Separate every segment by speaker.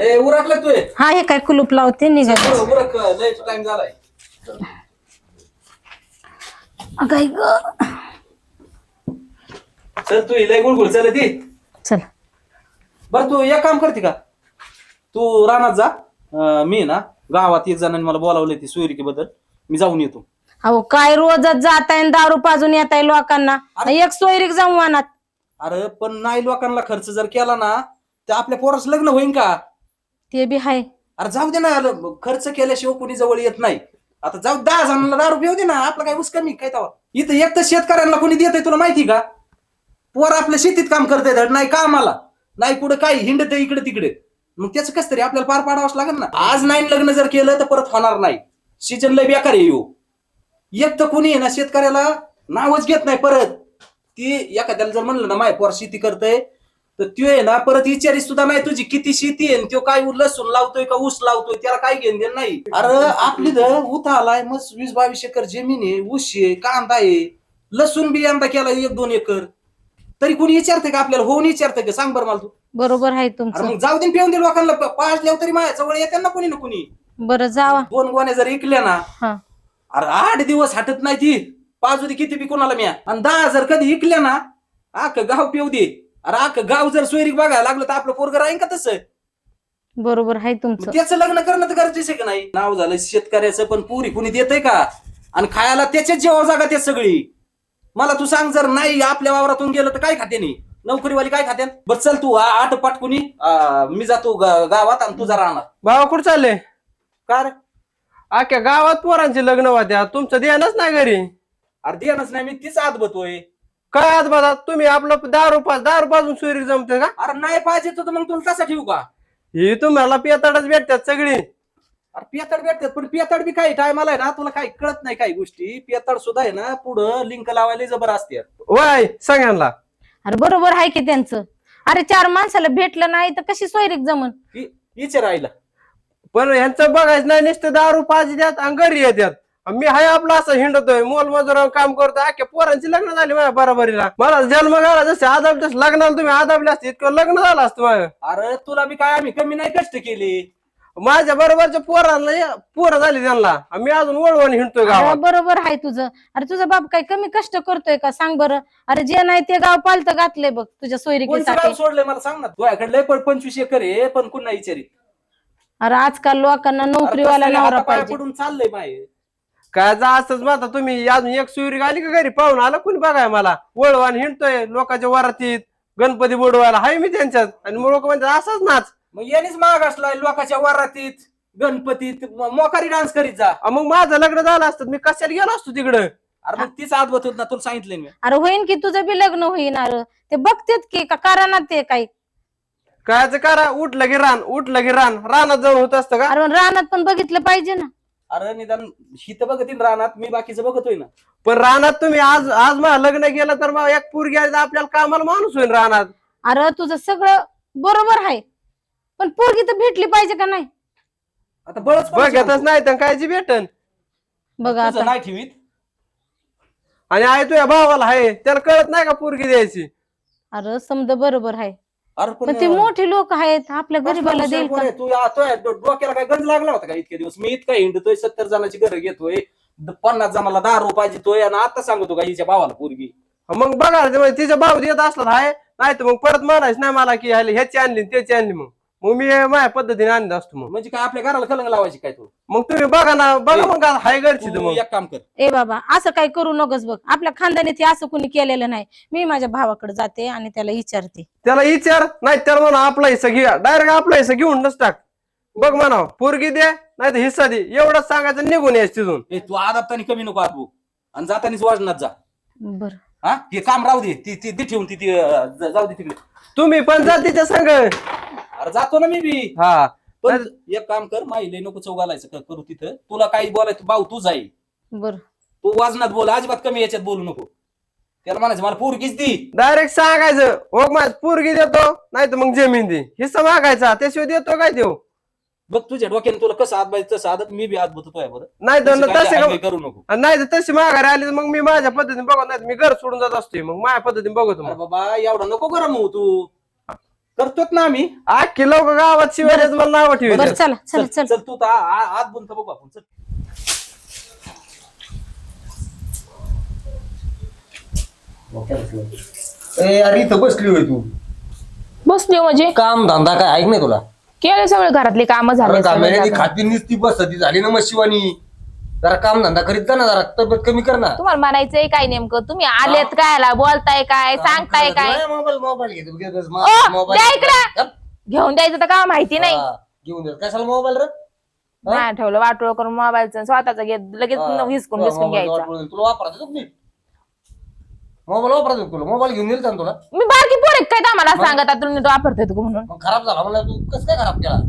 Speaker 1: ए उरकला तू
Speaker 2: हा हे काय कुलूप लावते निघाले
Speaker 1: उरक लय टाइम झालाय
Speaker 2: काय ग
Speaker 1: चल तू लय गुळगुळ चल ती
Speaker 2: चल
Speaker 1: बर तू एक काम करते का तू रानात जा मी ना गावात एक जणांनी मला बोलावलंय ती सोयरिकी बद्दल मी जाऊन येतो
Speaker 2: अहो काय रोजच जाताय दारू पाजून येताय लोकांना एक सोयरीक जाऊ अनात
Speaker 1: अरे पण नाही लोकांना खर्च जर केला ना तर आपल्या पोरास लग्न होईन का
Speaker 2: ते बी हाय
Speaker 1: अरे जाऊ दे ना खर्च केल्याशिवाय कोणी जवळ येत नाही आता जाऊ 10 जणांना दारू पिऊ दे ना आपलं काय ऊस कमी काय तवा इथं एक तर शेतकऱ्यांना कोणी देत तुला माहिती का पोर आपल्या शेतीत काम करताय नाही कामाला नाही कुठं काय हिंडत इकडे तिकडे मग त्याचं कसं तरी आपल्याला पार पाडावंच लागेल ना आज नाही लग्न जर केलं तर परत होणार नाही सीजन लय बेकार आहे येऊ एक तर कोणी आहे ना शेतकऱ्याला नावच घेत नाही परत ती एखाद्याला जर म्हणलं ना माय पोर शेती करतय तर त्यो आहे ना परत विचारी सुद्धा नाही तुझी किती शेती आहे त्यो काय लसूण लावतोय का ऊस लावतोय त्याला काय घेऊन देण नाही अरे आपली तर उथा आलाय मग 20-22 एकर जमीन आहे ऊस आहे कांदा आहे लसूण बी यंदा केला 1-2 एकर तरी कोणी विचारते का आपल्याला होऊन विचारते का सांग बरं मला तू
Speaker 2: बरोबर आहे
Speaker 1: अरे
Speaker 2: तुमचं
Speaker 1: मग जाऊ दे पिऊन दे लोकांना पाजल्यावर तरी माझ्या जवळ येते ना कोणी ना कोणी
Speaker 2: बरं जावा
Speaker 1: 2 गोण्या जर ऐकल्या ना
Speaker 2: हा
Speaker 1: अरे 8 दिवस हटत नाही ती पाजू दे किती बी कोणाला म्या आणि 10 जर कधी ऐकल्या ना अख्खं गाव पिऊ दे अरे अख्खं गाव जर सोयरीक बघायला लागलं तर आपलं पोरग राहीन का तसं
Speaker 2: बरोबर आहे तुमचं
Speaker 1: त्याचं लग्न करणं तर गरजेचं आहे का नाही नाव झालं शेतकऱ्याचं पण पुरी कुणी देतय का आणि खायला त्याच्याच जेव्हा जागा त्या सगळी मला तू सांग जर नाही आपल्या वावरातून गेलं तर काय खाते नाही नोकरीवाली काय खाते बरं चल तू 8 पाटकुनी मी जातो गावात आणि तुझा राहणार
Speaker 3: भावा कुठं चालले
Speaker 1: का रे
Speaker 3: अख्ख्या गावात पोरांची लग्न होत्या तुमचं ध्यानच नाही घरी
Speaker 1: अरे देणच नाही मी तीच आत बतोय
Speaker 3: काय आज बघा तुम्ही आपलं दारू पाजून सोयरी जमते का
Speaker 1: अरे नाही पाहिजे तर मग तुला तसा ठेवू का
Speaker 3: ही तुम्हाला पियाताडच भेटतात सगळी
Speaker 1: अरे पियातड भेटतात पण पियातड बी काही टायमाला आहे ना तुला काही कळत नाही काही गोष्टी पियातड सुद्धा आहे ना पुढं लिंक लावायला जबर असते
Speaker 3: वय सगळ्यांना
Speaker 2: अरे बरोबर आहे की त्यांचं अरे 4 माणसाला भेटलं नाही तर कशी सोयरीक जमन
Speaker 1: विचार राहिला
Speaker 3: पण ह्यांचं बघायचं नाही नुसतं दारू पाजी द्यात आणि घरी येतात मी हाय आपला असं हिंडतोय मोलमजुर काम करतोय अख्ख्या पोरांची लग्न झाली माझ्या बरोबरीला मला जन्म झाला जसे आदाब तसं लग्नाला तुम्ही आदाबले असते इतकं लग्न झालं असतं माझं
Speaker 1: अरे तुला बी काय आम्ही कमी नाही कष्ट केले
Speaker 3: माझ्या बरोबरच्या पोरांना पोरं झाली त्यांना मी अजून वळवण हिंडतोय
Speaker 2: अरे
Speaker 3: गावात
Speaker 2: बरोबर आहे तुझं अरे तुझा बाप काय कमी कष्ट करतोय का सांग बरं अरे जे नाही ते गाव पालत घातलंय बघ तुझ्या
Speaker 1: कोणचं
Speaker 2: सोयरीकीसाठी
Speaker 1: गाव सोडलंय मला सांग ना तुझ्याकडे लय 25 एकर आहे पण कुणा विचारित
Speaker 2: अरे आजकाल लोकांना नोकरीवाला नवरा पाहिजे
Speaker 1: पडून चाललंय माय
Speaker 3: काय जा असंच माझा तुम्ही अजून एक सुरी आली का घरी पाहून आला कोणी बघाय मला वळवान हिंडतोय लोकांच्या वरातीत गणपती बुडवायला हाय मी त्यांच्यात आणि मग लोक म्हणतात असंच नाच
Speaker 1: मग यानेच माग असलाय लोकांच्या वरातीत गणपतीत मोकारी डान्स करीत जा
Speaker 3: मग माझं लग्न झालं असतं मी कशाला गेलो असतो तिकडं
Speaker 1: अरे मग तीच आत बत होत ना तुला सांगितलंय मी
Speaker 2: अरे होईन की तुझं बी लग्न होईन अरे ते बघतेत की का कारण ते काही
Speaker 3: कायचं करा उठलं की रान रानात जाऊन होत असतं का
Speaker 2: अरे रानात पण बघितलं पाहिजे ना
Speaker 1: अरे निदान ही तर बघतील रानात मी बाकीचं बघतोय ना
Speaker 3: पण रानात तुम्ही आज मला लग्न केलं तर मग एक पोरगी आली तर आपल्याला कामाला माणूस होईल रानात
Speaker 2: अरे तुझं सगळं बरोबर आहे पण पोरगी तर भेटली पाहिजे का नाही
Speaker 1: आता बळच
Speaker 3: बघतच नाही तर कायची भेटन
Speaker 2: बघा आता
Speaker 1: नाही ठेवीत
Speaker 3: आणि आहे तुझ्या भावाला आहे त्याला कळत नाही का पोरगी द्यायची
Speaker 2: अरे समजा बरोबर आहे
Speaker 1: अरे
Speaker 2: पण ते मोठे लोक आहेत आपल्या गरीबाला देईल का?
Speaker 1: तू डोक्याला काय गंज लागला होता का इतके दिवस मी इतका हिंडतोय 70 जणांची घर घेतोय 50 जणाला दारू पाहिजे आणि आता सांगतो का हिच्या भावाला पोरगी
Speaker 3: मग बघा तिचा भाव देत असला आहे नाही तर मग परत म्हणायचं नाही मला की ह्याची आणली त्याची आणली मग मी माझ्या पद्धतीने आणत असतो मग
Speaker 1: म्हणजे काय आपल्या घराला कलंग लावायची काय तू
Speaker 3: मग तुम्ही बघा ना बघा मग हाय घरची तर
Speaker 1: तू
Speaker 3: मग
Speaker 1: एक काम कर
Speaker 2: ए बाबा असं काही करू नकोस बघ आपल्या खानदानी ते असं कोणी केलेलं नाही मी माझ्या भावाकडे जाते आणि त्याला विचारते
Speaker 3: त्याला विचार नाही त्याला म्हणा आपला हिस्सा घ्या डायरेक्ट आपला हिस्सा घेऊनच टाक बघ म्हणा पोरगी दे नाही तर हिस्सा दे एवढंच सांगायचं निघून यायचं तिथून
Speaker 1: तू आदाबतानी कमी नको आत आणि जातानीच वाजनात जा
Speaker 2: बर
Speaker 1: हा हे काम राहू दे ती ठेवून ती जाऊ दे तिकडे
Speaker 3: तुम्ही पण जा तिच्या संग
Speaker 1: अरे जातो ना मी बी
Speaker 3: हा
Speaker 1: पण एक काम कर माहिले नको चौघालायचं करू तिथं तुला काही बोलायचं भाऊ तू जाईल
Speaker 2: बर
Speaker 1: तू वाजनात बोल अजिबात कमी याच्यात बोलू नको त्याला म्हणायचं मला पोरगीच दी
Speaker 3: डायरेक्ट सांगायचं हो माझ पोरगी देतो नाही तर मग जमीन दे हिस्सा मागायचा त्याशिवाय देतो काय देऊ
Speaker 1: बघ तुझ्या डोक्याने तुला कसं हात पाहिजे तसं आदत मी बी हात बघतोय बरं
Speaker 3: नाही तर तसे
Speaker 1: करू नको
Speaker 3: नाही तर तशी माघारी आली तर मग मी माझ्या पद्धतीने बघत नाही मी घर सोडून जात असते मग माझ्या पद्धतीने बघतो
Speaker 1: अरे
Speaker 3: मग
Speaker 1: बाबा एवढा नको गरम हो तू करतोच ना आम्ही.
Speaker 3: अख्खी लोक गावात शिवाय देत, मला नाव
Speaker 2: बरं
Speaker 3: ठेवतात.
Speaker 2: चला चला
Speaker 1: चल
Speaker 2: चल
Speaker 1: चल तू तर आत बोलतो बघू आपण. चल.
Speaker 4: अरे इथं बसली होय तू.
Speaker 5: बसली हो म्हणजे
Speaker 4: काम धंदा काय ऐक नाही तुला.
Speaker 5: केले सगळे घरातले काम झाले
Speaker 4: अरे
Speaker 5: सगळे
Speaker 4: कामेऱ्याने
Speaker 5: झाले.
Speaker 4: खाती नुसती बसती झाली ना मग शिवानी. जरा काम धंदा करीत जा ना, जरा तब्येत कमी कर ना.
Speaker 5: तुम्हाला म्हणायचंय काय नेमकं? तुम्ही आलेत काय, बोलताय काय, सांगताय काय?
Speaker 4: मोबाईल मोबाईल घेतो
Speaker 5: ओ, द्या इकडं. घेऊन द्यायचं तर का माहिती नाही.
Speaker 4: घेऊन दे कशाला मोबाईल रे.
Speaker 5: नाही ठेवलं वाटोळ करून मोबाईलचं स्वतःचा घेत लगेच हिसकून बिस्कून घ्यायचा.
Speaker 4: तुला वापरायचं तुम्ही मोबाईल वापरायचं तुला मोबाईल घेऊन दिल तुला.
Speaker 5: मी बारकी पोर काय तर आम्हाला सांगत आता तुम्ही वापरतोय तू म्हणून.
Speaker 4: मग खराब झाला म्हणलं तू कसं काय खराब केला.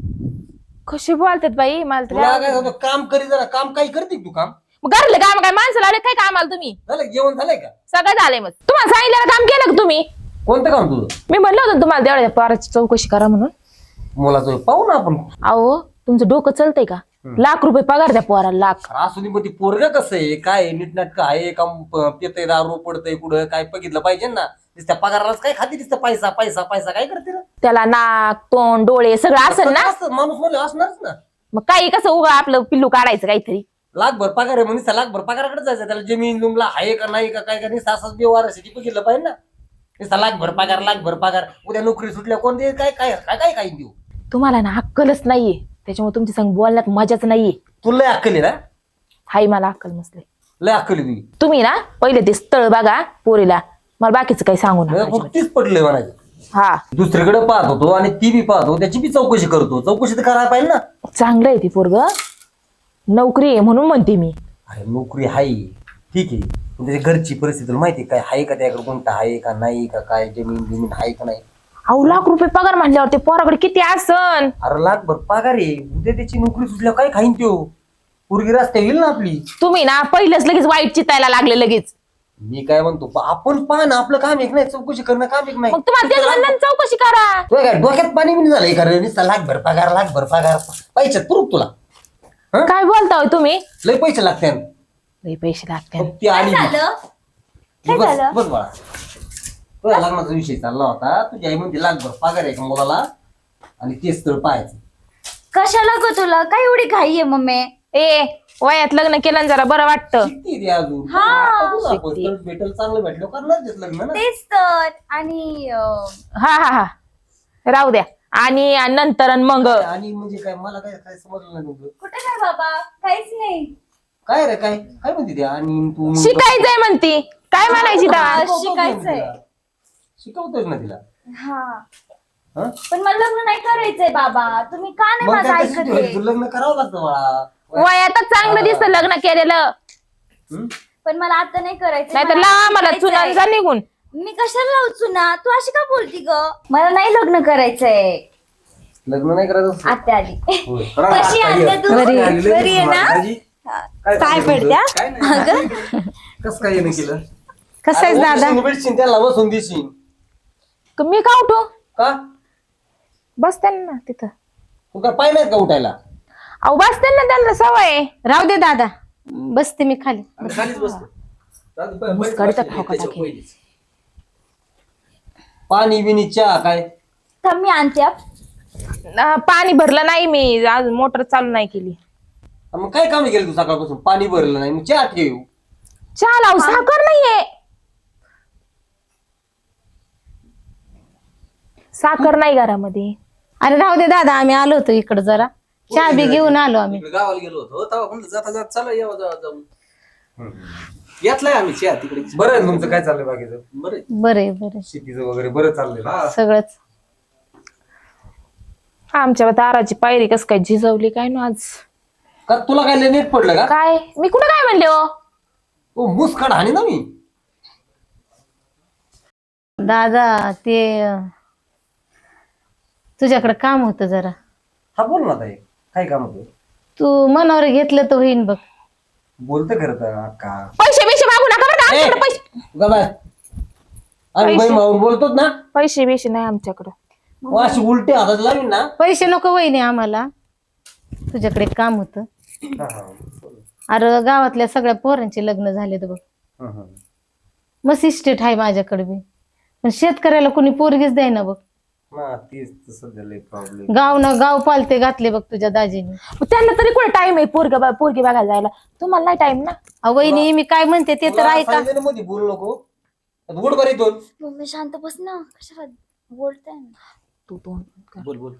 Speaker 5: कशी बोलतात बाई मला
Speaker 4: तुला
Speaker 5: तर.
Speaker 4: काय होतं, काम करी जरा. काम काही करते का तू काम.
Speaker 5: मग घरले काम काय माणसं लावले काय कामाला तुम्ही?
Speaker 4: झालं जेवण झालंय का.
Speaker 5: सगळं झालंय. मग तुम्हाला सांगितलेलं काम केलं का तुम्ही?
Speaker 4: कोणतं काम तुझं.
Speaker 5: मी म्हणलं होतं ना तुम्हाला तेवढ्या पोराची चौकशी करा म्हणून.
Speaker 4: मुलाचं पाहू ना आपण.
Speaker 5: अहो तुमचं डोकं चलतंय का? ₹1,00,000 पगार द्या पोराला. लाख.
Speaker 4: असू दे मग ती पोरग कसं आहे काय नीटनाटक आहे का पितय दारू पडतय कुठं काय बघितलं पाहिजे ना. नुसत्या पगारालाच काय खाती नुसतं पैसा पैसा पैसा काय करते ना.
Speaker 5: त्याला नाक तोंड डोळे सगळं असेल ना.
Speaker 4: माणूस म्हणलं असणारच ना.
Speaker 5: मग काही कसं उगा आपलं पिल्लू काढायचं काहीतरी.
Speaker 4: लाखभर पगार आहे म्हणजे लाखभर पगाराकडे जायचं. त्याला जमीन जुमला आहे का नाही का काय का नाही सासाच व्यवहार असे बघितलं पाहिजे ना. नुसता लाखभर पगार उद्या नोकरी सुटल्या कोण दे काय काय काय काय देऊ.
Speaker 5: तुम्हाला ना अक्कलच नाहीये त्याच्यामुळे तुमच्या संग बोलण्यात मजाच नाहीये.
Speaker 4: तुला लय अक्कल आहे ना.
Speaker 5: हाय मला अक्कल नसले.
Speaker 4: लय अक्कल आहे तुझी.
Speaker 5: तुम्ही ना पहिले ते स्थळ बघा पोरीला. मला बाकीचं काही सांगू नका अजिबात.
Speaker 4: तीच पडलंय म्हणायचं.
Speaker 5: हा
Speaker 4: दुसरीकडे पाहत होतो आणि ती बी पाहतो त्याची बी चौकशी करतो. चौकशी तर करायला पाहिजे ना.
Speaker 5: चांगलं आहे ती पोरग. नोकरी आहे म्हणून म्हणते मी.
Speaker 4: अरे नोकरी आहे ठीक आहे पण त्याची घरची परिस्थिती तुला माहिती काय आहे का. त्याकडे कोणता आहे का नाही का काय जमीन आहे का नाही.
Speaker 5: अहो ₹1,00,000 पगार म्हणल्यावर ते पोराकडे किती असन.
Speaker 4: अरे लाखभर पगार आहे. उद्या त्याची नोकरी सुटल्यावर काय खाईन त्यो. पोरगी रस्त्या येईल ना आपली.
Speaker 5: तुम्ही ना पहिलेच लगेच वाईट चितायला लागले लगेच.
Speaker 4: मी काय म्हणतो आपण पाहा ना आपलं काम एक नाही चौकशी करणं काम एक नाही.
Speaker 5: मग तुम्हाला तेच म्हणलं ना, चौकशी करा.
Speaker 4: तुला काय डोक्यात पाणी बिनी झालंय कारण नुसता लाखभर पगार पैशात पुरूक तुला.
Speaker 5: काय बोलताय तुम्ही?
Speaker 4: लय पैसे लागते.
Speaker 5: लय पैसे लागते.
Speaker 4: ती आली
Speaker 6: काय
Speaker 4: बस
Speaker 6: झालं?
Speaker 4: बस बाळा. तुझ्या लग्नाचा विषय चालला होता. तुझी आई म्हणते लाखभर पगार आहे का मुलाला आणि तेच स्थळ पाहायचं.
Speaker 6: कशाला ग तुला काय एवढी घाई आहे मम्मी?
Speaker 5: ए वयात लग्न केलं ना जरा बरं वाटतं.
Speaker 4: शिकते ती अजून.
Speaker 6: हा.
Speaker 4: आता बघू आपण.
Speaker 5: शिकते.
Speaker 4: स्थळ भेटल चांगलं भेटलं करणार तेच लग्न ना.
Speaker 6: तेच तर. आणि
Speaker 5: हा हा हा राहू द्या. आणि नंतर आणि मग
Speaker 4: आणि म्हणजे काय मला काय काय समजलं नाही तुझं.
Speaker 6: कुठे काय बाबा? काहीच नाही.
Speaker 4: काय रे काय काय म्हणते ते आणि तू
Speaker 5: शिकायचंय म्हणती. काय म्हणायची तेव्हा?
Speaker 6: शिकायचंय.
Speaker 4: शिकवतोय ना तिला.
Speaker 6: हा
Speaker 4: हं?
Speaker 6: पण मला लग्न नाही करायचंय बाबा. तुम्ही का नाही
Speaker 4: मग
Speaker 6: माझं
Speaker 4: काय तशी
Speaker 6: ऐकत
Speaker 4: तू लग्न करावं लागतं बाळा.
Speaker 5: वयातच चांगलं दिसतं लग्न केलेलं.
Speaker 4: हं?
Speaker 6: पण मला आता नाही करायचं.
Speaker 5: नाहीतर लावा मला चुना जा निघून.
Speaker 6: मी कशाला लावचू ना? तू अशी का बोलती ग? मला नाही लग्न करायचंय.
Speaker 4: लग्न नाही करायचं.
Speaker 6: आत्या आली.
Speaker 4: होय.
Speaker 6: कशी आत्या तू?
Speaker 1: बरी
Speaker 6: आहे ना? काय पडत्या? अगं
Speaker 4: कस काय येणं केलं.
Speaker 2: कसं आहे दादा?
Speaker 4: भेटशील त्याला बसून देशील
Speaker 5: मी का उठू?
Speaker 4: का.
Speaker 5: बसते ना तिथं.
Speaker 4: तू काय पाय नाहीत का उठायला.
Speaker 5: अहो बसते ना त्यांना सवय आहे.
Speaker 2: राहू दे दादा बसते मी खाली.
Speaker 1: खालीच बसतो.
Speaker 5: मुस्काडीचा ठोका टाकेल.
Speaker 1: पहिलीच.
Speaker 4: पाणी बिनी चहा काय.
Speaker 6: थांब मी आणते.
Speaker 5: पाणी भरलं नाही मी अजून मोटर चालू नाही केली.
Speaker 4: मग काय काम केलं तू सकाळपासून. पाणी भरलं नाही मग चहा ठेव.
Speaker 5: चहा लावू साखर नाहीये. साखर नाही घरामध्ये.
Speaker 2: अरे राहू दे दादा आम्ही आलो होतो इकडे जरा चहा बी घेऊन आलो आम्ही.
Speaker 1: इकडे गावाला गेलो होतो तेव्हा म्हणलं जाता जाता चला यावं जाऊन घेतलाय आम्ही चहा तिकडे.
Speaker 4: बरं आहे तुमचं काय चाललंय बाकीचं.
Speaker 1: बरं
Speaker 2: बरे बरे
Speaker 4: शेतीचं वगैरे बरं चाललंय ना.
Speaker 2: सगळंच.
Speaker 5: आमच्या दाराची पायरी कस काय झिजवली काय ना आज.
Speaker 4: का तुला काय लय नेट पडलं का.
Speaker 5: काय मी कुठं काय म्हणले हो.
Speaker 4: ओ मुसकाड हानी ना मी.
Speaker 2: दादा ते तुझ्याकडे काम होतं जरा.
Speaker 4: हा बोल ना ताई काय काम होतं.
Speaker 2: तू मनावर घेतलं तर होईन बघ.
Speaker 4: बोलतं खरं तर अक्का.
Speaker 5: पैसे बिशे मागू नका बरं का. आमच्याकडे पैसे
Speaker 4: उगा बाय. आम्ही बाई मावून बोलतोच ना.
Speaker 5: पैसे बिशे नाही आमच्याकडं.
Speaker 4: मग अशी उलटी हातात लावीन ना.
Speaker 2: पैसे नको वहिनी आम्हाला. तुझ्याकडे काम होतं.
Speaker 4: हा, हा.
Speaker 2: अरे गावातल्या सगळ्या पोरांचे लग्न झालेत बघ.
Speaker 4: हा, हा.
Speaker 2: मस्त इस्टेट आहे माझ्याकडे बी पण शेतकऱ्याला कोणी पोरगीच द्यायना बघ.
Speaker 4: ना तीच तर सध्या लय प्रॉब्लेम.
Speaker 2: गाव ना गाव पालते घातले बघ तुझ्या दाजीने.
Speaker 5: मग त्यांना तरी कुठे टाइम आहे पोरगी बघायला जायला? तुम्हाला नाही टाइम ना?
Speaker 2: वहिनी मी काय म्हणते ते तर ऐका.
Speaker 4: मध्ये बोलू नको. गुड बरी दोन
Speaker 6: मम्मी शांत बस ना, कशाला बोलताय ना.
Speaker 5: तू
Speaker 1: बोल बोल.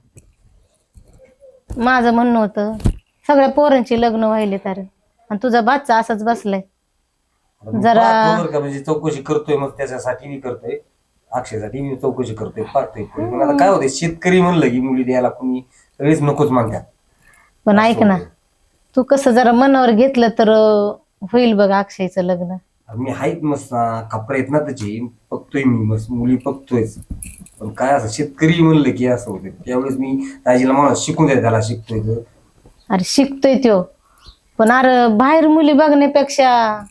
Speaker 2: माझं म्हणणं होतं सगळ्या पोरांची लग्न व्हायले तर, आणि तुझा बादचा असाच बसलाय. जरा
Speaker 4: म्हणजे चौकशी करतोय, मग त्याच्यासाठी मी करतोय, अक्षयसाठी मी चौकशी करतोय, पाहतोय. पण आता काय होते, शेतकरी म्हणलं की मुली द्यायला कोणी सगळेच नकोच मानतात.
Speaker 2: पण ऐक ना, तू कसं जरा मनावर घेतलं तर होईल बघ अक्षयचं लग्न.
Speaker 4: मी आहेत मस्त कपडे आहेत ना त्याची, बघतोय मी मस्त मुली बघतोयच. पण काय असं शेतकरी म्हणलं की असं होतं. त्यावेळेस मी दाजीला मला शिकून द्या, त्याला शिकतोय.
Speaker 2: अरे शिकतोय त्यो, पण अरे बाहेर मुली बघण्यापेक्षा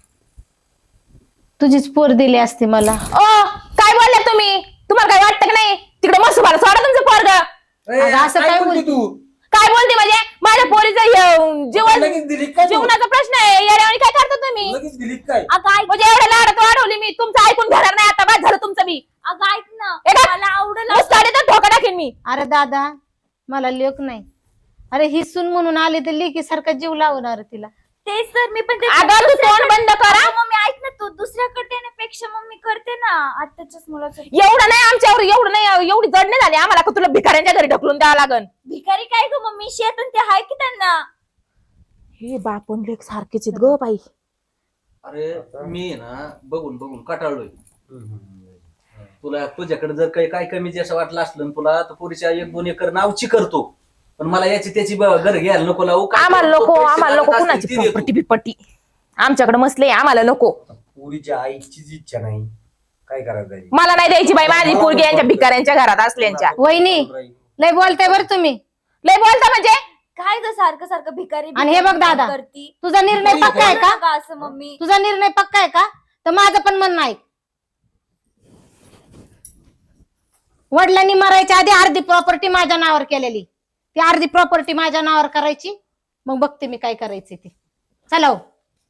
Speaker 2: तुझीच पोर दिली असती मला.
Speaker 5: ओ काय बोलल्या तुम्ही? तुम्हाला काय वाटतं की नाही? तिकडे मस्त मला सोडा तुमचं पोरग.
Speaker 2: असं काय बोलते
Speaker 4: तू?
Speaker 5: काय बोलते म्हणजे? माझ्या पोरीचं जीवन
Speaker 4: लगेच दिली काय तू?
Speaker 5: जीवनाचा प्रश्न आहे. येड्यावानी काय करता तुम्ही?
Speaker 4: लगेच दिली काय?
Speaker 6: अगं ऐक,
Speaker 5: म्हणजे एवढ्या लाडात वाढवली मी, तुमचं ऐकून घेणार नाही आता. बाद झालं तुमचं मी.
Speaker 6: अगं ऐक ना,
Speaker 5: ए का?
Speaker 6: मला आवडलं.
Speaker 5: मुस्काडीतच धोका टाकेन मी.
Speaker 2: अरे दादा मला लेक नाही. अरे ही सून म्हणून आले तर लेकी सारखा जीव लावणार तिला.
Speaker 6: तेच तर मी पण
Speaker 5: अगं तू तोंड बंद करा.
Speaker 6: मम्मी ऐक ना, तू दुसऱ्याकडे देण्यापेक्षा मम्मी करते ना आत्ताच्याच मुलाचं.
Speaker 5: एवढं नाही आमच्यावर, एवढं नाही, एवढी जड नाही झाली आम्हाला का तुला भिकाऱ्यांच्या घरी ढकलून द्यावं लागन.
Speaker 6: भिकारी काय ग मम्मी, शेतून ते हाय की त्यांना.
Speaker 5: हे बापन लेख सारखेच आहेत ग बाई.
Speaker 1: अरे मी ना बघून बघून कटाळलोय. तुला तुझ्याकडे जर काही काय कमी असं वाटलं असलं ना तुला, तर पुरीच्या 1-2 एकर नावची करतो. पण मला याची त्याची घर घ्यायला नको लावू.
Speaker 5: आम्हाला नको, आम्हाला नको कुणाची प्रॉपर्टी बिपट्टी. आमच्याकडे मसले, आम्हाला नको.
Speaker 4: पुरीच्या आईचीच इच्छा नाही, काय करायचं?
Speaker 5: मला नाही द्यायची बाई माझी पोरगी यांच्या भिकाऱ्यांच्या घरात असल्यांच्या.
Speaker 2: वहिनी लय बोलताय बरं तुम्ही.
Speaker 5: लय बोलता म्हणजे?
Speaker 6: काय ग सारखं सारखं भिकारी
Speaker 2: आणि हे बघ दादा,
Speaker 6: करती.
Speaker 2: तुझा निर्णय पक्का आहे का?
Speaker 6: का असं मम्मी?
Speaker 2: तुझा निर्णय पक्का आहे का? तर माझं पण म्हणणं आहे. वडिलांनी मरायच्या आधी अर्धी प्रॉपर्टी माझ्या नावावर केलेली, ती अर्धी प्रॉपर्टी माझ्या नावावर करायची. मग बघते मी काय करायचे ते. चला हो.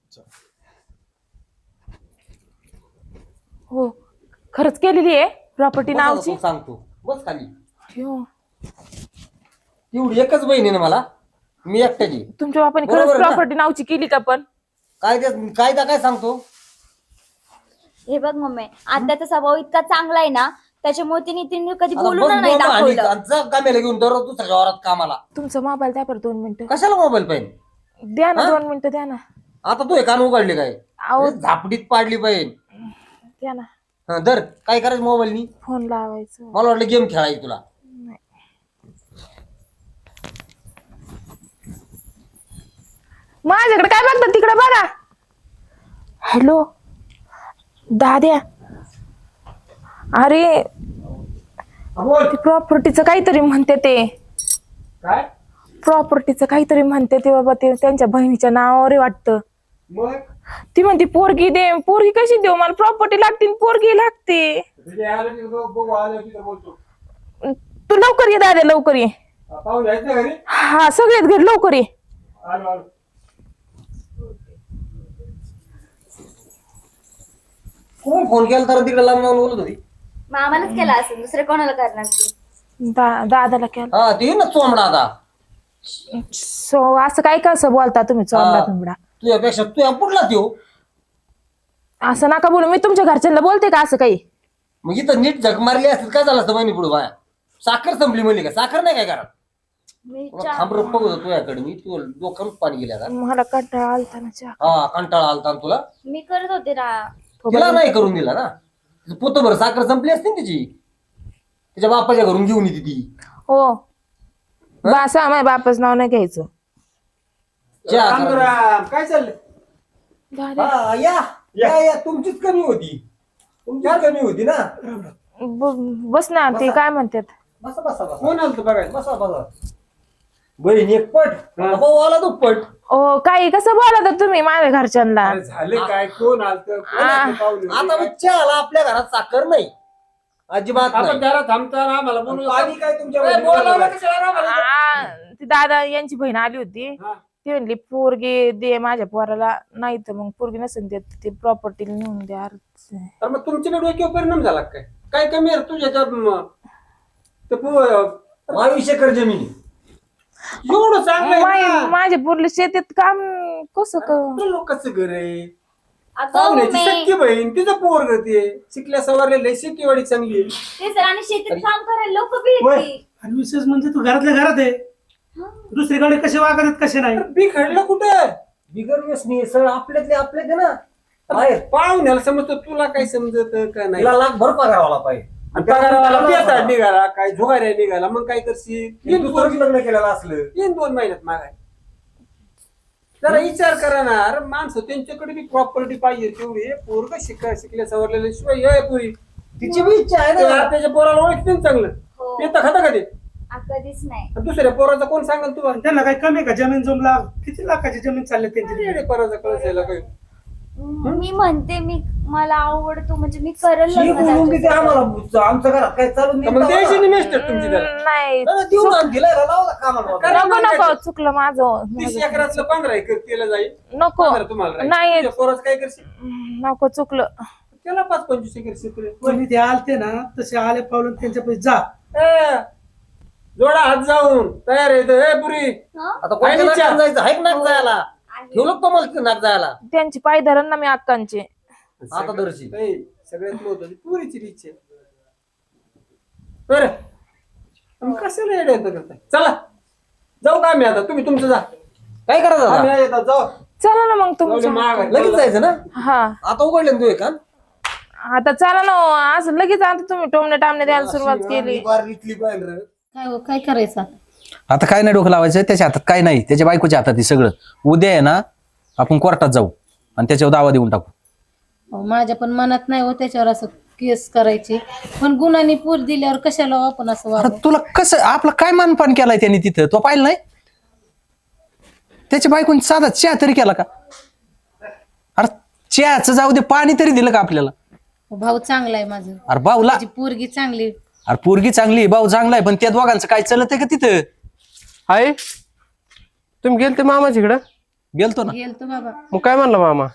Speaker 5: हो खरंच केलेली आहे प्रॉपर्टी नावची.
Speaker 4: सांगतो बस खाली.
Speaker 5: हो.
Speaker 4: एवढी एकच बहीण आहे ना मला, मी एकट्याची.
Speaker 5: तुमच्या बापाने
Speaker 4: बरोबर
Speaker 5: खरंच
Speaker 4: आहे ना?
Speaker 5: प्रॉपर्टी नावची केली का? पण
Speaker 4: कायदा काय सांगतो?
Speaker 6: हे बघ मम्मी, आत्याचा स्वभाव इतका चांगला आहे ना, त्याच्यामुळे तिने कधी
Speaker 4: आता
Speaker 6: बोलून
Speaker 4: बस
Speaker 6: नाही
Speaker 4: बोल आणि
Speaker 6: दाखवलं.
Speaker 4: जा कामाला घेऊन दररोज दुसऱ्या वावरात कामाला.
Speaker 5: तुमचा मोबाईल द्या बरं 2 मिनिटं.
Speaker 4: कशाला मोबाईल पाहिजे?
Speaker 5: द्या ना
Speaker 4: हा?
Speaker 5: 2 मिनिटं द्या ना.
Speaker 4: आता तू हे कान उघडले काय?
Speaker 5: अहो
Speaker 4: झापडीत पाडली पाहिजे.
Speaker 5: द्या ना,
Speaker 4: दर काय करायचं मोबाईलनी?
Speaker 5: फोन लावायचं.
Speaker 4: मला वाटलं गेम खेळायची तुला.
Speaker 5: माझ्याकडे काय बघतात तिकडे बघा. हॅलो दाद्या, अरे ते प्रॉपर्टीचं काहीतरी म्हणते ते.
Speaker 3: काय
Speaker 5: प्रॉपर्टीचं काहीतरी म्हणते ते बाबा, ते त्यांच्या बहिणीच्या नावावर वाटतं.
Speaker 3: मग
Speaker 5: ती म्हणते पोरगी दे. पोरगी कशी देऊ? मला प्रॉपर्टी लागते, पोरगी लागते.
Speaker 3: तुझे आलं की बघू, आलं की बोलतो.
Speaker 5: तू लवकर ये दादा, लवकर ये.
Speaker 3: पाहून यायचं ना घरी.
Speaker 5: हा सगळेच घर लवकर ये.
Speaker 3: आलो आलो.
Speaker 4: कोण फोन केला तर तिकडे लांब लावून बोलत होती?
Speaker 6: मामालाच केला असेल, दुसरे कोणाला करणार ती?
Speaker 5: दादाला केलं.
Speaker 4: हा ते ना चोंबडा. आता
Speaker 5: सो असं काय कसं बोलता तुम्ही? चोंबडा
Speaker 4: हा.
Speaker 5: तुंबडा
Speaker 4: तुझ्यापेक्षा तू पुढला त्यो.
Speaker 5: असं नका बोलू. मी तुमच्या घरच्यांना बोलते का असं काही?
Speaker 4: मग इथं नीट झक मारली असतील काय झालं असतं महिनी पुढे बाया? साखर संपली म्हणली का? साखर नाही काय करा?
Speaker 6: मी
Speaker 4: थांबरत बघत होतो तुझ्याकडे मी. तू डोक्यात पाणी गेल्या का?
Speaker 5: मला कंटाळा आलता ना चहा.
Speaker 4: हा कंटाळा आलता ना तुला.
Speaker 6: मी करत होते ना.
Speaker 4: तिला नाही करून दिला ना. पोतभर साखर संपली असते ना तिची. तिच्या बापाच्या घरून घेऊन येते ती.
Speaker 5: हो बासा, माझ्या बापाचं नाव नाही घ्यायचं.
Speaker 4: चहा करा.
Speaker 3: रामराम, काय चाललंय?
Speaker 5: दादा
Speaker 4: हा, या तुमचीच कमी होती. तुमचीच कमी होती ना.
Speaker 5: बस ना. ते काय म्हणतात?
Speaker 4: बसा बसा बसा
Speaker 3: कोण आलं बघायला?
Speaker 4: बसा बसा. बहीण एक पट, भाऊ आला दुप्पट.
Speaker 5: ओ काही कसं बोलत तुम्ही माझ्या घरच्यांना?
Speaker 3: अरे झालं काय? कोण आलं?
Speaker 4: आता मग चहाला आपल्या घरात साखर नाही, अजिबात
Speaker 3: आपण
Speaker 4: नाही.
Speaker 3: जरा थांबताना आम्हाला बोलू.
Speaker 4: पाणी काय तुमच्या
Speaker 3: ए,
Speaker 4: बहिणीला
Speaker 3: बोलावलं
Speaker 4: बोलावलं?
Speaker 3: कशाला आम्हाला?
Speaker 5: ती दादा यांची बहीण आली होती.
Speaker 3: हा.
Speaker 5: ती म्हणली पोरगी दे माझ्या पोराला, नाही तर मग पोरगी नसेल देत ते प्रॉपर्टी नेऊन द्या.
Speaker 3: तर मग तुमच्याकडे डोक्यावर परिणाम झाला काय? काय कमी आहे तुझ्या
Speaker 4: 22 एकर जमीन
Speaker 3: एवढं चांगलं आहे ना.
Speaker 5: माझ्या पोरले शेतीत काम कसं
Speaker 3: आपलं लोकांचं घर आहे.
Speaker 6: अगं
Speaker 3: पाहुण्याची
Speaker 6: मम्मी
Speaker 3: सख्खी बहीण तिचं पोरग ते शिकल्या सवारलेलं शेतीवाडी चांगली आहे.
Speaker 6: ते सर आणि शेतीत काम करायला लोक भेटली.
Speaker 7: आणि विशेष म्हणजे तू घरातल्या घरात आहे दुसरीकडे कसे वागत कसे नाही
Speaker 3: बी खडलं कुठं
Speaker 4: बिगर व्यसनी सर आपल्यातले आपले ना बाहेर
Speaker 3: पाहुण्याला समजतो तुला काय समजत का नाही
Speaker 4: तिला लाख भर पगारावाला पाहिजे
Speaker 3: आणि पगारावाला पेता निघाला काय झुगाऱ्या निघाला मग काय करशील
Speaker 4: दुसरं लग्न केलेलं असलं
Speaker 3: 2 महिन्यात मागाय जरा विचार करा ना अरे माणसं त्यांच्याकडे बी प्रॉपर्टी पाहिजे तेवढी पोरग शिकल्या सवरलेल्या शिवाय ये पुरी
Speaker 4: तिची बी इच्छा आहे ना
Speaker 3: त्याच्या पोराला ओळखते चांगलं
Speaker 6: हो.
Speaker 3: पेता खाता कधी
Speaker 6: कधीच नाही.
Speaker 3: दुसऱ्या पोराचा कोण सांगाल तुला
Speaker 7: त्यांना काही कमी का जमीन जमला किती लाखाची जमीन चालली त्यांची
Speaker 3: अरे पोराचा कळसायला काय
Speaker 6: मी म्हणते मला आवडतो म्हणजे मी करेल
Speaker 4: ही
Speaker 6: लग्न
Speaker 4: बोलून किती
Speaker 6: त्याच्यासोबत.
Speaker 4: आम्हाला आमच्या घरात काय चालून
Speaker 3: तर मग द्यायची नाही मिस्टर तुमची त्याला
Speaker 5: नाही
Speaker 4: देऊन आण दिलाय लावला कामाला
Speaker 3: करा
Speaker 5: नको
Speaker 3: मग
Speaker 5: नको चुकलं माझं
Speaker 3: 30 एकरातलं 15 एकर केलं जाईल
Speaker 5: नको
Speaker 3: 15 तुम्हाला राहील.
Speaker 5: नाही.
Speaker 3: तुझ्या पोराचं काय करशील
Speaker 5: नको चुकलं
Speaker 3: त्याला 5-25 एकर शेती
Speaker 7: पण ते आलते ना तसे आले पावलं त्यांच्या पैसे जा
Speaker 3: जोडा हात जाऊन तयार आहे ए पुरी
Speaker 6: हं?
Speaker 4: आता कोणत्या नाटकात जायचं हाय नाक जायला ठेवलं का मला नाक जायला
Speaker 5: त्यांची पाय धरण ना मी अक्कांचे
Speaker 4: आता दर्शी
Speaker 3: ए, सगळ्यात महत्वाची पुरीची इच्छा बरं मग कशाला येडे येतं करताय चला जाऊ का आम्ही आता तुम्ही तुमचं जा
Speaker 4: काय करायचं
Speaker 3: आम्ही
Speaker 4: आता?
Speaker 3: येतात जाऊ
Speaker 5: चला ना मग
Speaker 3: जाऊ दे,
Speaker 5: तुमचं
Speaker 3: महाग आहे.
Speaker 4: लगेच जायचं ना
Speaker 5: हा
Speaker 4: आता उघडले ना तू एक कान
Speaker 5: आता चला ना असं लगेच आता तुम्ही टोमणे टामणे द्यायला सुरुवात केली
Speaker 4: इथली पाहिलं रे.
Speaker 2: काय हो, काय करायचं
Speaker 1: आता काय नाही डोकं लावायचं त्याच्या हातात काय नाही त्याच्या बायकोच्या हातात आहे सगळं उद्या आहे ना आपण कोर्टात जाऊ आणि त्याच्यावर दावा देऊन टाकू
Speaker 2: अहो, माझ्या पण मनात नाही हो त्याच्यावर असं केस करायची पण गुन्हानी पूर दिल्यावर कशाला हो आपण असं
Speaker 1: अरे
Speaker 2: वागू?
Speaker 1: तुला कसं आपलं काय मानपान केलाय त्यांनी तिथं तो पाहिलं नाही त्याच्या बायकोनी साधा चहा तरी केला का अरे चहाचं जाऊ दे पाणी तरी दिलं का आपल्याला
Speaker 2: भाऊ चांगला आहे माझं
Speaker 1: अरे भाऊला
Speaker 2: माझी पोरगी चांगली
Speaker 1: अरे पोरगी चांगली भाऊ चांगला आहे पण त्या दोघांचं काय चलत आहे का तिथं
Speaker 3: आहे तुम्ही गेलते मामाच्याकडं
Speaker 1: गेलतो ना
Speaker 2: गेलतो बाबा
Speaker 3: मग काय म्हणला मामा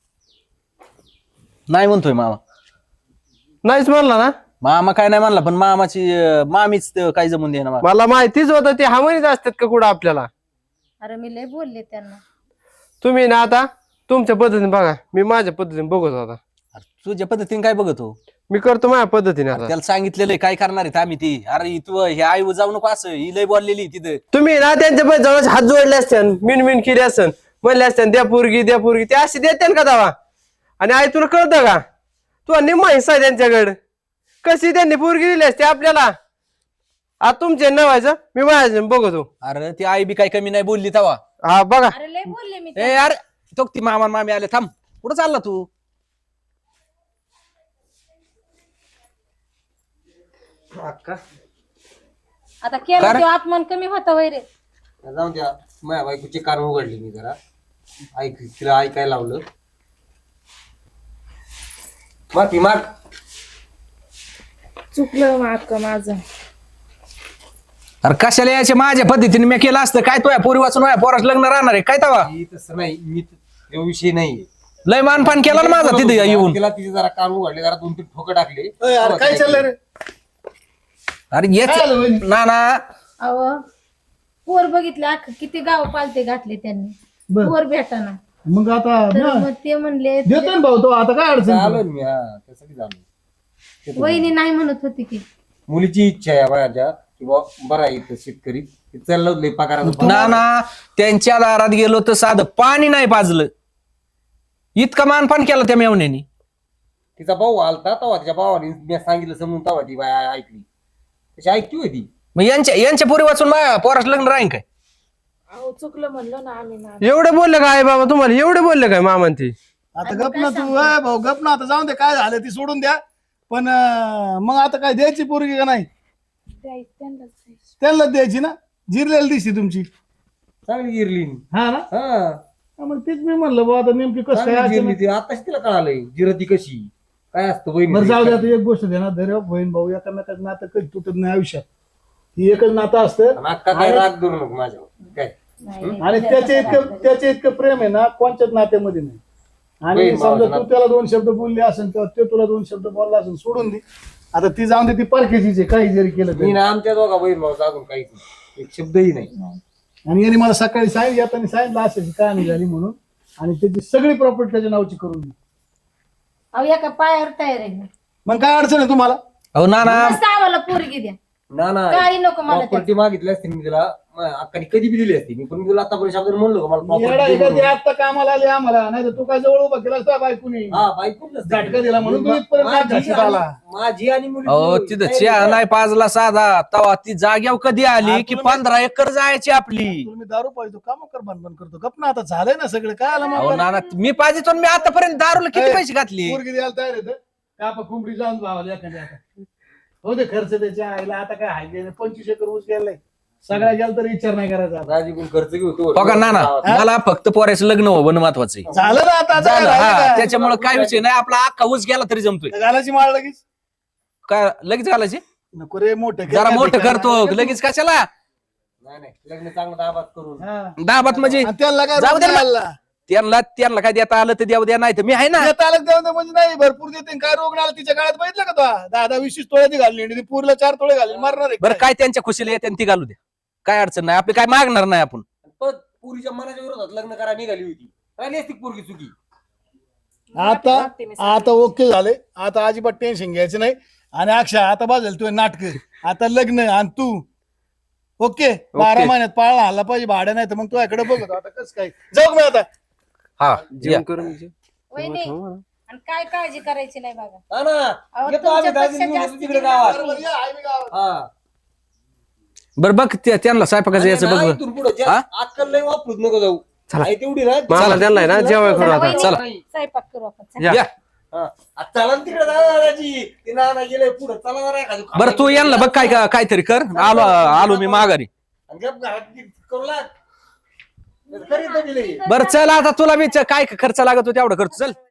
Speaker 1: नाही म्हणतोय मामा
Speaker 3: नाहीच म्हणला ना
Speaker 1: मामा काय नाही म्हणला पण मामाची मामीच काय जमून दे ना
Speaker 3: मला माहितीच होतं ते हामणीच असतात का कुठं आपल्याला
Speaker 2: अरे मी लय बोलले त्यांना
Speaker 3: तुम्ही ना आता तुमच्या पद्धतीने बघा मी माझ्या पद्धतीने बघत होता
Speaker 1: तुझ्या पद्धतीने काय बघतो
Speaker 3: मी करतो माझ्या पद्धतीने आता
Speaker 1: त्याला सांगितलेलं आहे, काय करणार आहे आम्ही ती अरे तू हे आई जाऊ नको असं ही लय बोललेली तिथं
Speaker 3: तुम्ही ना त्यांच्या पण जवळ हात जोडले असते मिन केली असन म्हणले असते द्या पोरगी ते अशी देते का दावा आणि आई तुला कळतं का तू निम्मा हिस्सा आहे त्यांच्याकडे कशी त्यांनी पोरगी दिली असते आपल्याला आता तुमचे नवायचं मी माझ्या बघतो
Speaker 1: अरे ती आई बी काय कमी नाही बोलली तवा
Speaker 3: हा बघा
Speaker 2: अरे लय बोलले मी
Speaker 1: ए अरे तो ती मामा मामी आले थांब कुठं चालला तू
Speaker 2: आता केलं ते अपमान कमी होता वैरे
Speaker 4: जाऊन द्या माझ्या बायकोची कान उघडली मी जरा तिला ऐकायला लावलं माफी माग
Speaker 5: चुकलं अक्का माझं
Speaker 1: अरे कशाला यायचे माझ्या पद्धतीने मी केलं असतं काय तो पोरी वाचून पोराच लग्न राहणार आहे काय तवा
Speaker 4: तसं नाही मी तो विषय नाही
Speaker 1: लय मानपान केला ना माझा तिथे येऊन
Speaker 4: तिला तिचे जरा कान उघडले जरा 2-3 ठोकं टाकले
Speaker 3: काय चाललंय रे
Speaker 1: अरे येच ना ना
Speaker 2: अहो पोर बघितले अख्खं किती गाव पालते घातले त्यांनी पोर भेटाना
Speaker 7: मग आता
Speaker 2: तर मग ते म्हणले
Speaker 7: देतो ना भाऊ तो आता काय अडचण
Speaker 4: आलो ना मी हा त्यासाठी झालो
Speaker 2: वहिनी नाही म्हणत होती की
Speaker 4: मुलीची इच्छा आहे माझ्या किंवा बरा आहे इथं शेतकरी चाललं लय पगाराचं
Speaker 1: ना ना त्यांच्या दारात गेलो तर साधं पाणी नाही पाजलं इतका मानपान केला त्या मेवण्यानी
Speaker 4: तिचा भाऊ आलता तेव्हा तिच्या भावाने मी सांगितलं समजून तेव्हा ती बाय ऐकली तशी ऐकली होती
Speaker 1: मग यांच्या पोरी वाचून पोराच लग्न राहीन काय
Speaker 5: अहो चुकलं म्हणलं ना आम्ही ना
Speaker 3: एवढे बोलले काय बाबा तुम्हाला एवढे बोलले काय मामान ती
Speaker 7: आता गप ना तू भाऊ गप ना आता जाऊन दे काय झालं ती सोडून द्या पण मग आता काय द्यायची पोरगी का नाही त्यांनाच द्यायची ना जिरलेली दिसती तुमची
Speaker 4: चांगली गिरली
Speaker 7: हा ना
Speaker 4: हा
Speaker 7: मग तीच मी म्हणलं बाबा आता नेमकी कसं काय
Speaker 4: चांगली गिरली
Speaker 7: असेल.
Speaker 4: ती आताच तिला कळालंय जिरती कशी काय असतं
Speaker 7: बरं जाऊ दे
Speaker 4: बहिणी
Speaker 7: आता एक गोष्ट दे ना धैर्य बहीण भाऊ एकामेकाचं नातं कधी तुटत नाही आयुष्यात ही एकच नातं असतं
Speaker 4: अक्का काय राग धरू नको माझ्यावर काय
Speaker 7: आणि त्याचे इतकं प्रेम आहे ना कोणत्याच नात्यामध्ये नाही आणि
Speaker 4: बहीण
Speaker 7: समजा
Speaker 4: भावाचं
Speaker 7: तू त्याला 2 शब्द बोलले असेल किंवा ते तुला 2 शब्द बोलला असेल सोडून दे आता ती जाऊन दे, ती परकेची काही जरी केलं
Speaker 4: मी
Speaker 7: तरी.
Speaker 4: ना आमच्या दोघा बहीण भाऊ अजून काहीच नाही. एक शब्दही नाही.
Speaker 7: आणि यांनी मला सकाळी सांगितलं, येताना सांगितलं अशाची कहाणी झाली म्हणून, आणि त्याची सगळी प्रॉपर्टी त्याच्या नावची करून दिली.
Speaker 2: अहो एका पायावर तयार आहे मी.
Speaker 7: मग काय अडचण आहे तुम्हाला?
Speaker 1: अहो नाना
Speaker 2: मस्त आम्हाला पोरगी द्या,
Speaker 4: ना ना
Speaker 2: काही नको मला त्याचं.
Speaker 4: प्रॉपर्टी मागितली असती मी तिला, अक्काने कधी बी दिली असती मी, पण मी तुला आतापर्यंत शब्द म्हणलो का मला
Speaker 7: येडा
Speaker 4: property
Speaker 7: आहे का
Speaker 4: दे
Speaker 7: ते?
Speaker 4: म्हणून?
Speaker 7: आत्ता कामाला आले आम्हाला, नाही तर तू काय जवळ उभा केला असता बायकोनी.
Speaker 4: हा बायकोच नसते.
Speaker 7: झटका दिला म्हणून तू इथपर्यंत
Speaker 4: माझी
Speaker 7: झटका
Speaker 4: आणि-
Speaker 7: आला.
Speaker 4: माझी आणि मुली
Speaker 1: अहो तिथं चहा नाही पाजला साधा तवा ती जाग्यावर कधी आली की 15 एकर जायची आपली.
Speaker 7: तुला मी दारू पाहिजे काम कर बंद करतो. गप ना, आता झालंय ना सगळं. काय आलं
Speaker 1: अहो
Speaker 7: मग?
Speaker 1: नाना मी पाहिजे मी आतापर्यंत दारूला किती पैसे घातले.
Speaker 7: पोरगी द्यायला तयार आहे तर कापा कुंबडी जाऊन भावाला एखाद्या. आता हो दे खर्च त्याच्या आईला. आता काय हाय 25 एकर ऊस गेलाय. सगळ्या गेला तरी विचार नाही करायचा.
Speaker 4: राजीकडून खर्च घेऊ तो.
Speaker 1: हो का नाना मला फक्त पोरायचं लग्न व्हावं महत्वाचं आहे.
Speaker 7: झालं ना आता. आता
Speaker 1: झालं
Speaker 7: काय राहिलं
Speaker 1: हा
Speaker 7: काय?
Speaker 1: त्याच्यामुळे काय विषय नाही आपला अख्खा ऊस गेला तरी जमतोय.
Speaker 7: घालायची माळ लगेच
Speaker 1: काय लगेच घालायची
Speaker 7: नको रे, मोठं कर.
Speaker 1: जरा मोठं करतो लगेच कशाला
Speaker 4: नाही नाही लग्न चांगलं दाबात करून.
Speaker 7: हा.
Speaker 1: दाबात म्हणजे
Speaker 7: आणि त्याला काय
Speaker 1: जाऊ दे
Speaker 7: रोग
Speaker 1: ना.
Speaker 7: नाही आला.
Speaker 1: त्यांना काय देता आलं तर द्यावं द्या नाही तर मी आहे ना.
Speaker 7: देता आलं देऊन दे म्हणजे नाही, भरपूर देते. काय रोग नाही आला तिच्या काळात बघितलं का तो? 10-20 तोळे ती घालली आणि ती पूरला 4 तोळे घालली. मारणार आहे
Speaker 1: बरं
Speaker 7: काय?
Speaker 1: काय त्यांच्या खुशीला येते ती घालू द्या, काय अडचण नाही. आपली काय मागणार नाही आपण.
Speaker 4: पण पुरीच्या मनाच्या विरोधात लग्न करा निघाली होती, राहिली असती पोरगी चुकी.
Speaker 7: आता ओके झाले. आता अजिबात टेन्शन घ्यायचं नाही. आणि अक्षय आता बाजल तू नाटक, आता लग्न आणि तू ओके. 12 महिन्यात पाळला आला पाहिजे भाड्या, नाही तर मग तू याकडे बघतो. आता कसं काय जाऊ मी आता.
Speaker 1: हा
Speaker 3: जेवण करून घे.
Speaker 2: वहिनी आणि काय काळजी करायची नाही बघा.
Speaker 4: हा ना
Speaker 2: अहो,
Speaker 4: येतो आम्ही
Speaker 2: तुमच्यापेक्षा
Speaker 4: दाजी घेऊन येतो
Speaker 2: जास्ती
Speaker 4: तिकडे
Speaker 2: जिम्मेदारी.
Speaker 4: गावात.
Speaker 7: बरोबर, या, आहे मी गावात.
Speaker 4: हा
Speaker 1: बरं बघ त्यांना स्वयंपाकाचं यायचं
Speaker 4: आणि
Speaker 1: बघ
Speaker 4: ना,
Speaker 1: बघ.
Speaker 4: इथून पुढं जे
Speaker 1: हा?
Speaker 4: आजकाल लय वापरूच नको जाऊ. आहे तेवढी ना
Speaker 3: मला त्यांना आहे ना जेवण करू
Speaker 2: चला
Speaker 3: आता.
Speaker 2: वहिनी,
Speaker 1: चला.
Speaker 2: स्वयंपाक करू आपण. चला.
Speaker 1: या
Speaker 4: हा. आता चला ना तिकडे जा दाजी. ते नाना गेले पुढे, चला जरा एखादं खाऊ.
Speaker 1: बरं तू यांना बघ काहीतरी कर. आलो मी माघारी.
Speaker 4: आणि गप घरात करू लाग. करीत नाही दिले.
Speaker 1: बरं चल आता तुला मी काय खर्च लागतो तेवढं करतो चल.